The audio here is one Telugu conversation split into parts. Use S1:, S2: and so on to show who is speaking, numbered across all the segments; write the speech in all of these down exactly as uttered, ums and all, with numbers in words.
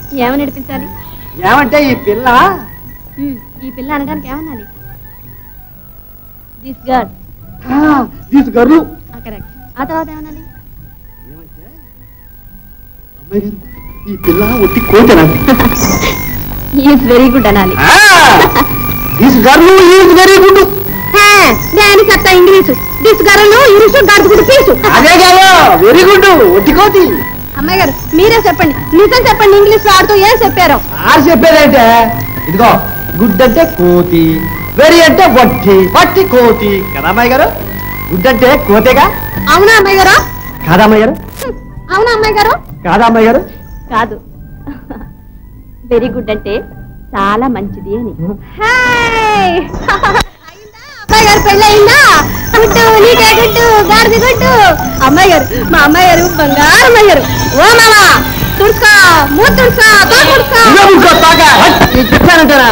S1: ఏమని నడిపించాలి?
S2: ఏమంటే ఈ పిల్ల
S1: ఈ పిల్ల అనడానికి ఏమనాలి? This girl.
S2: This girl.
S1: Correct. ఆ తర్వాత ఏమనాలి?
S2: అమ్మాయి గారు ఈ పిల్ల ఒట్టి కోతేనండి.
S1: ఈజ్ వెరీ గుడ్ అనాలి.
S2: This girl is very good.
S1: నేను చెప్తా ఇంగ్లీషు. దిస్ గర్ల్ ఇంగ్లీషు గడుపుడు పీసు.
S2: అదే కాదు వెరీ గుడ్ ఒట్టి కోతి.
S1: అమ్మాయి గారు మీరే చెప్పండి, నిజం చెప్పండి, ఇంగ్లీష్ ఆడుతూ ఏం చెప్పారో.
S2: ఆరు చెప్పేదంటే ఇదిగో గుడ్ అంటే కోతి, వెరీ అంటే వట్టి, వట్టి కోతి కదా అమ్మాయి గారు. గుడ్ అంటే కోతేగా.
S1: అవునా అమ్మాయి గారు?
S2: కాదా అమ్మాయి గారు?
S1: అవునా అమ్మాయి గారు?
S2: కాదా అమ్మాయి గారు?
S1: కాదు. వెరీ గుడ్ అంటే చాలా మంచిది అని. అమ్మాయి గారు పెళ్ళయిందా? గుడ్డు నీకే గుడ్డు గారిది గుడ్డు. అమ్మాయి గారు మా అమ్మాయి గారు బంగారు అమ్మాయి గారు. ఓ మామా తుడుచుకో మూడు తుడుచుకో తో తుడుచుకో.
S2: చెప్పానంటారా?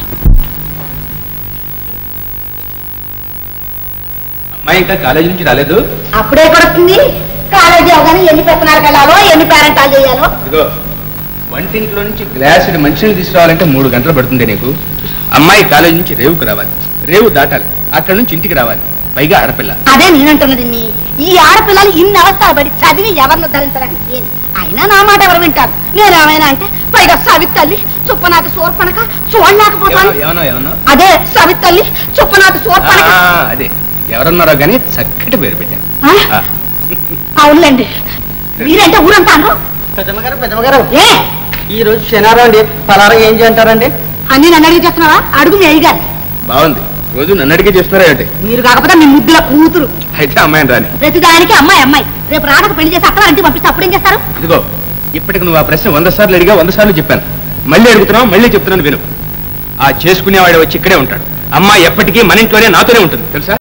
S3: అమ్మాయి ఇంకా కాలేజీ నుంచి రాలేదు.
S1: అప్పుడే కొడుతుంది. కాలేజీ అవగానే ఎన్ని పెత్తనాలకు వెళ్ళాలో ఎన్ని పేరెంటాలు చేయాలో.
S3: ఇదిగో వంటింట్లో నుంచి గ్లాసుడు మంచినీళ్ళు తీసుకురావాలంటే మూడు గంటలు పడుతుంది నీకు. అమ్మాయి కాలేజీ నుంచి రేవుకు రావాలి, రేవు దాటాలి, అక్కడ నుంచి ఇంటికి రావాలి, పైగా ఆడపిల్ల.
S1: అదే నేనంటున్నది. ఈ ఆడపిల్లలు ఇన్ని అవస్థలు పడి చదివి ఎవరిని ధరించడానికి అయినా నా మాట ఎవరు వింటారు? నేనేమైనా అంటే పైగా సవితల్లి చుప్పనాథి సోర్పనక చూడలేకపోతాను.
S3: ఏమన్నా ఏమన్నా
S1: అదే సవితల్లి చుప్పనాథి సోర్పనక.
S3: అదే ఎవరన్నారో గానీ చక్కటి పేరు పెట్టాను.
S1: అవునులేండి. మీరంటే ఊరంతాను.
S2: పెద్దమ్మగారు పెద్దమ్మగారు
S1: ఏ
S2: ఈ రోజు శనివారం అండి, పలారా ఏం చేయంటారండి?
S1: అన్ని నన్ను అడిగి చేస్తున్నావా? అడుగు మీ అయ్యగారు.
S3: బాగుంది, రోజు నన్ను అడిగి చేస్తున్నారా ఏంటి?
S1: మీరు కాకపోతే మీ ముద్దుల కూతురు.
S3: అయితే అమ్మాయిని రాని.
S1: ప్రతి దానికి అమ్మాయి అమ్మాయి. రేపు రాడకు పెళ్లి చేసి అత్తవారింటికి పంపిస్తే అప్పుడేం చేస్తారు?
S3: ఇదిగో ఇప్పటికి నువ్వు ఆ ప్రశ్న వంద సార్లు అడిగా, వంద సార్లు చెప్పాను, మళ్ళీ అడుగుతున్నావు, మళ్ళీ చెప్తున్నాను విను. ఆ చేసుకునేవాడు వచ్చి ఇక్కడే ఉంటాడు. అమ్మాయి ఎప్పటికీ మన ఇంట్లోనే నాతోనే ఉంటుంది తెలుసా?